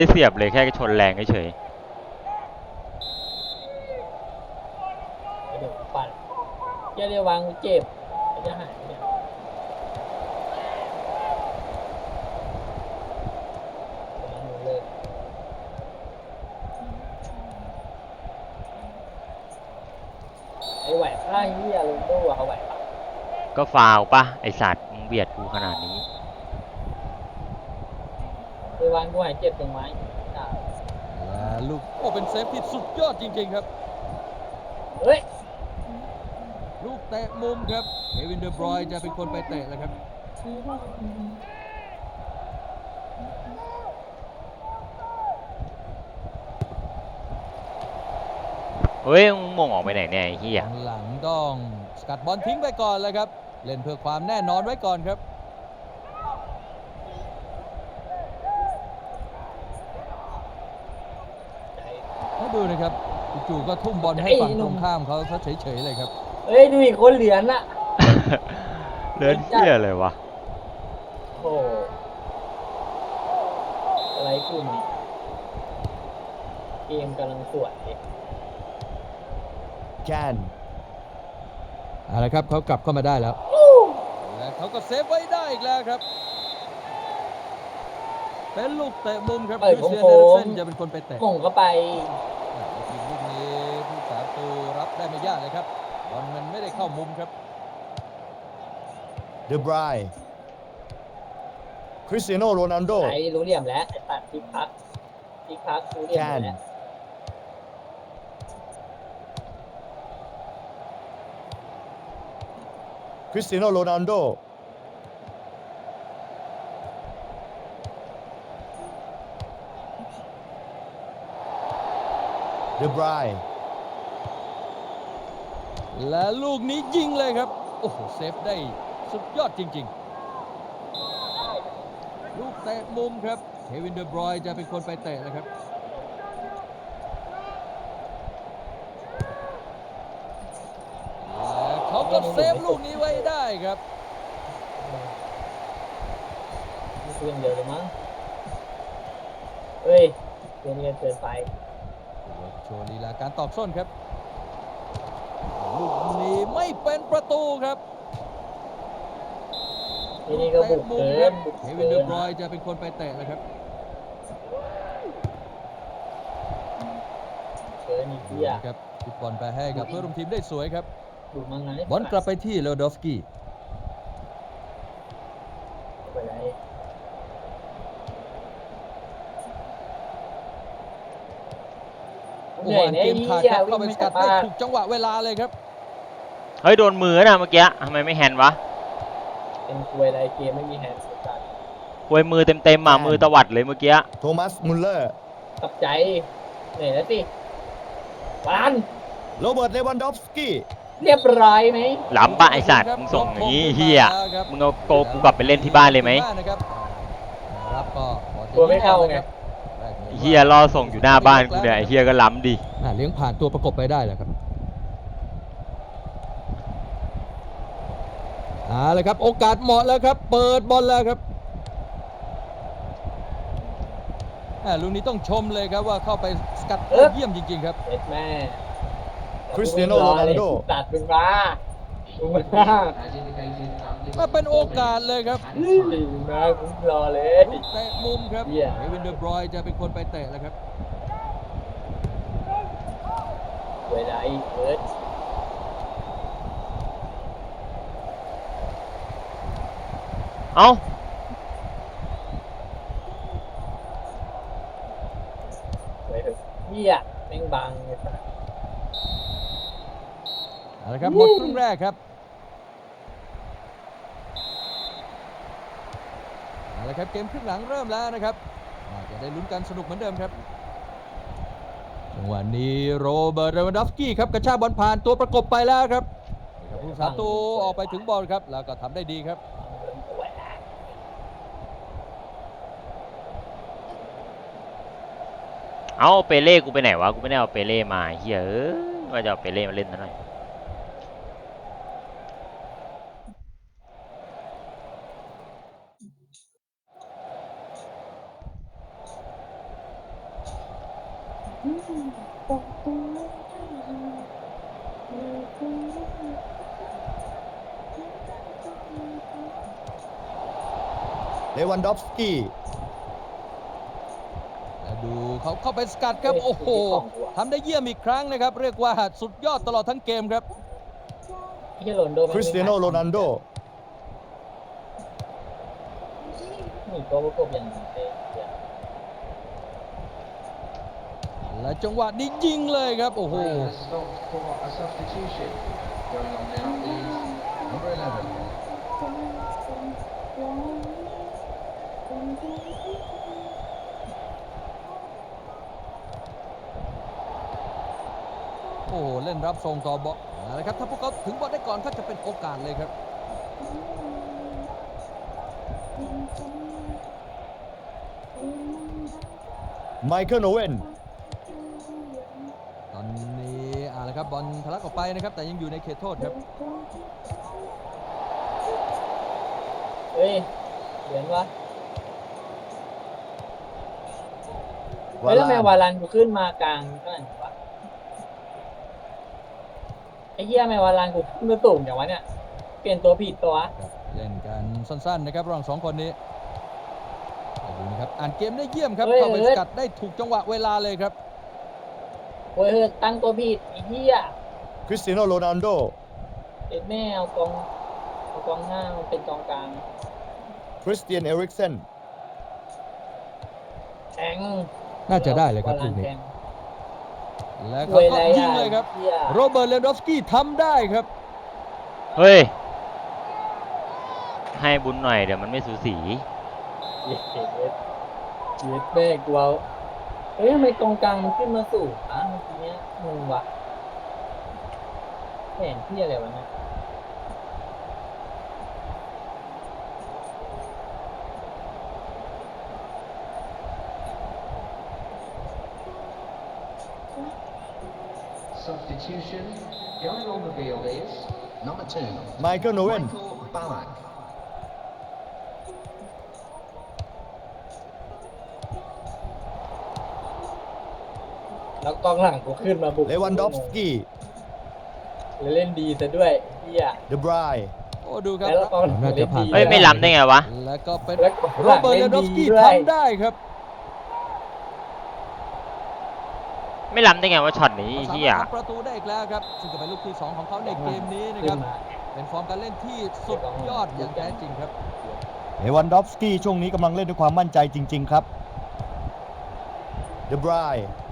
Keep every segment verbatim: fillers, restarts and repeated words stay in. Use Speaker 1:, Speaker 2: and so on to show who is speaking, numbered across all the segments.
Speaker 1: ไม่เสียบเลยแค่ชนแรงเฉย
Speaker 2: เดี๋ยวปั่นเจ้าเรียววางเจ็บจะหายเนี่ยเลยไอ้ไหวข้างที่อารมณ์ด้วยเอาไหวปะ
Speaker 1: ก็ฟาวปะไอสัตว์มึงเบียดกูขนาดนี้
Speaker 2: ไปวางกูหายเจ็บตรงไม้
Speaker 3: และลูกโอ้เป็นเซฟที่สุดยอดจริงๆครับ
Speaker 2: เฮ้ย
Speaker 3: ลูกเตะมุมครับเควินเดอบรอยน์จะเป็นคนไปเตะแล้วครับ
Speaker 1: เฮ้ยมึงมงออกไปไหนเนี่ยไอ้เหี้ย
Speaker 3: หลังต้องสกัดบอลทิ้งไปก่อนเลยครับเล่นเพื่อความแน่นอนไว้ก่อนครับมาดูนะครับจู่ๆก็ทุ่มบอลให้ฝั่งตรงข้ามเขาซะเฉยๆเลยครับ
Speaker 2: เฮ้ยดูอีกคนเหรียญน่ะ
Speaker 1: เลือดเหี้ยเลยวะ
Speaker 2: โอ้อะไรกูนี่เกมกำลังสวย
Speaker 3: แกนอะไรครับเขากลับเข้ามาได้แล้วและเขาก็เซฟไว้ได้อีกแล้วครับเป็นลูกเตะมุมครับคริสเตียน เอริกเซนจะเป็นคนไปเตะ
Speaker 2: มงเข้าไป
Speaker 3: ทีมลูกนี้ผู้สาประตูรับได้ไม่ยากเลยครับบอลมันไม่ได้เข้ามุมครับ
Speaker 4: เดบรายคริสเตียโนโรนัลโด
Speaker 2: ไอ้รู้เหลี่ยมแล้วไอ้ตัดพิกพักพิกพักรู้เหลี่ยมแล้ว
Speaker 4: คริสเตียโนโรนัลโดเดบราย
Speaker 3: และลูกนี้ยิงเลยครับโอ้โหเซฟได้สุดยอดจริงๆลูกเตะมุมครับเควินเดอบรอยน์จะเป็นคนไปเตะนะครับและเขาก็เซฟลูกนี้ไว้ได้ครับ
Speaker 2: เพื่อนเดียวเลยมั้งเฮ้ยเพื่อนเกินเกินไป
Speaker 3: โชว์ลีลาการตอกส้นครับลูกนี้ไม่เป็นประตูครับ
Speaker 2: ที่นี่ก็บุกเกิน
Speaker 3: เควินเดอบรอยน์จะเป็นคนไปเตะนะครับ
Speaker 2: เกินอีกทีอ่ะ
Speaker 3: ครับฟุตบอลไปให้กับเพื่อนร่วมทีมได้สวยครับ
Speaker 2: ดูมั้งไง
Speaker 3: บอลกลับไปที่เลวดอฟสกี้
Speaker 2: ไปไหน
Speaker 3: โอ้โหเกมขาดครับเข้าไปสกัดได้ถูกจังหวะเวลาเลยครับ
Speaker 1: เฮ้ยโดนมือนะเมื่อกี้ทำไมไม่แฮนด์วะ
Speaker 2: เป็นควยอะไรเกมไม่มีแฮนด์สกัด
Speaker 1: ควยมือเต็มๆมามือตวัดเลยเมื่อกี้
Speaker 4: โทมัสมุลเลอร์
Speaker 2: ตับใจเหนื่อยแล้วสิบอล
Speaker 4: โรเบิร์ตเลวันดอฟสกี้
Speaker 2: เรียบร้อยไหม
Speaker 1: ล้ำปะไอสัตว์มึงส่งอย่างนี้เฮียมึงเอาโกกูกลับไปเล่นที่บ้านเลยไหม
Speaker 2: ตัวไม่เข้าไง
Speaker 1: เฮียรอส่งอยู่หน้าบ้านกูเนี่ยไอเฮียก็ล้ำดิ
Speaker 3: เลี้ยงผ่านตัวประกบไปได้แหละครับเอาเลยครับโอกาสเหมาะแล้วครับเปิดบอลแล้วครับลูกนี้ต้องชมเลยครับว่าเข้าไปสกัดเยี่ยมจริงๆครับ
Speaker 2: เอ็ดแม่
Speaker 4: คริสเตียโนโรนัลโด
Speaker 2: ตัดเป็นมา
Speaker 3: มาเป็นโอกาสเลยครับ
Speaker 2: มาผมรอเลย
Speaker 3: เตะมุมครับเควินเดอบรอยน์จะเป็นคนไปเตะแล้วครับ
Speaker 2: เวลาอีกเอิร์ธ
Speaker 1: เอ้า
Speaker 2: เฮ้ยเฮียแม่งบังเลยสัส
Speaker 3: เอาละครับหมดครึ่งแรกครับเอาละครับเกมครึ่งหลังเริ่มแล้วนะครับจะได้ลุ้นกันสนุกเหมือนเดิมครับจังหวะนี้โรเบิร์ต เลวันดอฟสกี้ครับกระชากบอลผ่านตัวประกบไปแล้วครับผู้สาประตูออกไปถึงบอลครับแล้วก็ทำได้ดีครับ
Speaker 1: เอาเปเล่กูไปไหนวะกูไม่ได้เอาเปเล่มาเฮียเอ้ยว่าจะเอาเปเล่มาเล่นซะหน่อย
Speaker 4: เลวันดอฟสกี้
Speaker 3: และดูเขาเข้าไปสกัดครับ โอ้โหทำได้เยี่ยมอีกครั้งนะครับ เรียกว่าสุดยอดตลอดทั้งเกมครับ
Speaker 2: ไอ้เหี้ยโรนลโดแม่ง
Speaker 4: คริสเตียโนโรนัลโด
Speaker 2: นี่ตัวประกบอย่างนี้เลยเหี้ย
Speaker 3: และจังหวะนี้ยิงเลยครับ โอ้โห
Speaker 5: A substitution going on now is number eleven.
Speaker 3: โอ้โห เล่นรับส่งต่อบอลนะครับ ถ้าพวกเขาถึงบอลได้ก่อนก็จะเป็นโอกาสเลยครับ
Speaker 4: ไมเคิลโอเวน
Speaker 3: ตอนนี้อ่าละครับบอลทะลักออกไปนะครับ แต่ยังอยู่ในเขตโทษครับ
Speaker 2: เฮ้ยเหรียญวะ
Speaker 4: วา
Speaker 2: เฮ้ยแล้วทำไม
Speaker 4: ลาน
Speaker 2: วาลันกูขึ้นมากลางขนาดนี้วะไอ้เหี้ยทำไมวาลันกูขึ้นมาสูงอย่างวะเนี่ยเปลี่ยนตัวผิดตัววะ
Speaker 3: ครับเล่นกันสั้นๆนะครับระหว่างสองคนนี้ดูนะครับอ่านเกมได้เยี่ยมครับเข้าไปสกัดได้ถูกจังหวะเวลาเลยครับ
Speaker 2: โอ้ยเฮ้ยตั้งตัวผิดไอ้เหี้ย
Speaker 4: คริสเตียโนโรนัลโด
Speaker 2: เอ็ดแม่เอากองเอากองหน้ามันเป็นกองกลาง
Speaker 4: คริสเตียนเอริกเซน
Speaker 2: แทง
Speaker 3: น่าจะได้เลยครับ
Speaker 2: วา
Speaker 3: ลู
Speaker 2: ลั
Speaker 3: ก
Speaker 2: น
Speaker 3: นี้
Speaker 2: แทง
Speaker 3: แล้ว
Speaker 2: ร
Speaker 3: ก็
Speaker 2: วยอะไร
Speaker 3: ยิง
Speaker 2: อ่ะ
Speaker 3: เลยครับ
Speaker 2: เหี้ย
Speaker 3: โรเบิร์ตเลนดอฟสกี้ทำได้ครับ
Speaker 1: เฮ้ย ให้บุญหน่อยเดี๋ยวมันไม่สูสี
Speaker 2: เย็ดเย็ดเย็ดเย็ดแม่กูเอาเฮ้ยทำไมกองกลางมันขึ้นมาสูงอ่ะเมื่อกี้เนี้ยงงวะแผนที่อะไรวะเนี่ย
Speaker 5: Substitution going on the field is number two.
Speaker 4: ไมเคิลโอเวน
Speaker 5: Michael Ballack.
Speaker 2: แล้วกองหลังกูขึ้นมาบุก
Speaker 4: เลวันดอฟสกี้
Speaker 2: แล้วเล่นดีซะด้วยเฮีย
Speaker 4: เดบราย
Speaker 3: โอ้ดูครับ
Speaker 2: แล้วกองหลัง
Speaker 3: น่า
Speaker 2: เล่
Speaker 3: จะ
Speaker 2: น
Speaker 3: ผ่าน
Speaker 2: ดี
Speaker 1: เฮ้ย ไม่ล้ำได้ไงวะ
Speaker 3: แล้วก็เป็น
Speaker 2: แล้วกอง
Speaker 3: โร
Speaker 2: หลัง
Speaker 3: เบิร์ตเล
Speaker 2: เล่
Speaker 3: น
Speaker 2: น
Speaker 3: ดอฟส
Speaker 2: ดี
Speaker 3: กี้
Speaker 2: ด้วย
Speaker 3: ทำได้ครับ
Speaker 1: ไม่ล้ำได้ไงว่าช็อตนี้ไอ้
Speaker 3: สา
Speaker 1: เฮีย
Speaker 3: มารถทำประตูได้อีกแล้วครับซึ่งก็เป็นลูกที่สองของเขาในเกมนี้นะค
Speaker 2: ขึ้
Speaker 3: รับ
Speaker 2: นมา
Speaker 3: เป็นฟอร์มการเล่นที่สุดยอดอย่างแท้จริงครับ
Speaker 4: เลวันดอฟสกี้ช่วงนี้กำลังเล่นด้วยความมั่นใจจริง ๆ ครับ เดบราย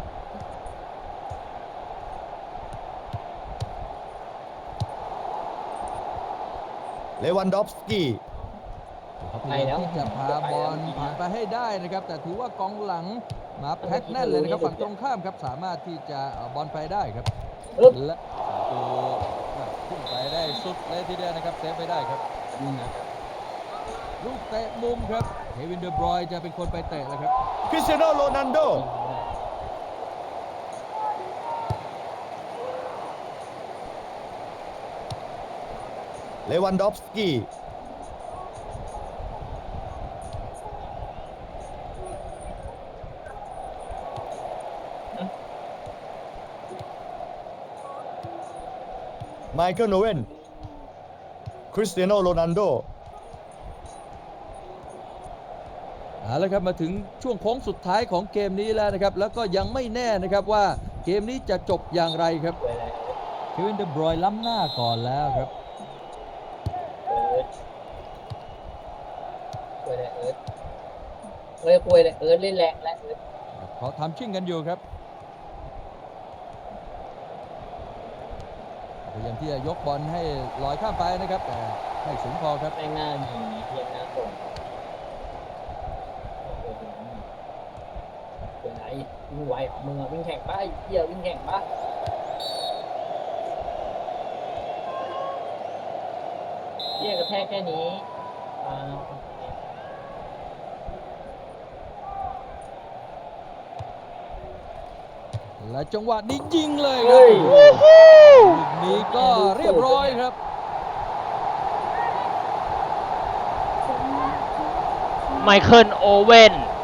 Speaker 4: เลวันดอฟสกี้
Speaker 3: เขาพยายามที่จะพาบอลผ่านไปให้ได้นะครับ แต่ถือว่ากองหลังมาแพ็คแน่นเลยนะครับฝั่งตรงข้ามครับสามารถที่จะเอาบอลไปได้ครับ
Speaker 2: อึ๊บ
Speaker 3: และประตูขึ้นไปได้สุดเลยทีเดียวนะครับเซฟไปได้ครับ
Speaker 2: นี่นะ
Speaker 3: ลูกเตะมุมครับเควินเดอบรอยน์จะเป็นคนไปเตะแล้วครับ
Speaker 4: คริสเตียโนโรนัลโด เลวันดอฟสกี้ ไมเคิลโอเวน คริสเตียโนโรนัลโด
Speaker 3: เอาละครับมาถึงช่วงโค้งสุดท้ายของเกมนี้แล้วนะครับ แล้วก็ยังไม่แน่นะครับว่าเกมนี้จะจบอย่างไรครับ
Speaker 2: เว้ยอะไร
Speaker 3: เควินเดอบรอยน์ล้ำหน้าก่อนแล้วครับ
Speaker 2: เอิร์ธเว้ยอะไรเอิร์ธเฮ้ยคุยเลยเอิร์ธเล่นแรงและเอิร์ธ
Speaker 3: เขาทำชิ่งกันอยู่ครับพยายามที่จะยกบอลให้ลอยข้ามไปนะครับ แต่ไม่สูงพอครับ
Speaker 2: แม่งหน้ายิงเพียงหน้าส่งเป็นไรวิ่งไวของมึงอะวิ่งแข่งปะไอ้เหี้ยวิ่งแข่งปะเหี้ยกระแทกแค่นี้อ่า
Speaker 3: และจังหวะนี้ยิงเลยครับ
Speaker 2: เฮ้ย
Speaker 3: ลูกนี้ก็เรียบร้อยครับ
Speaker 1: ไมเคิลโอเว่น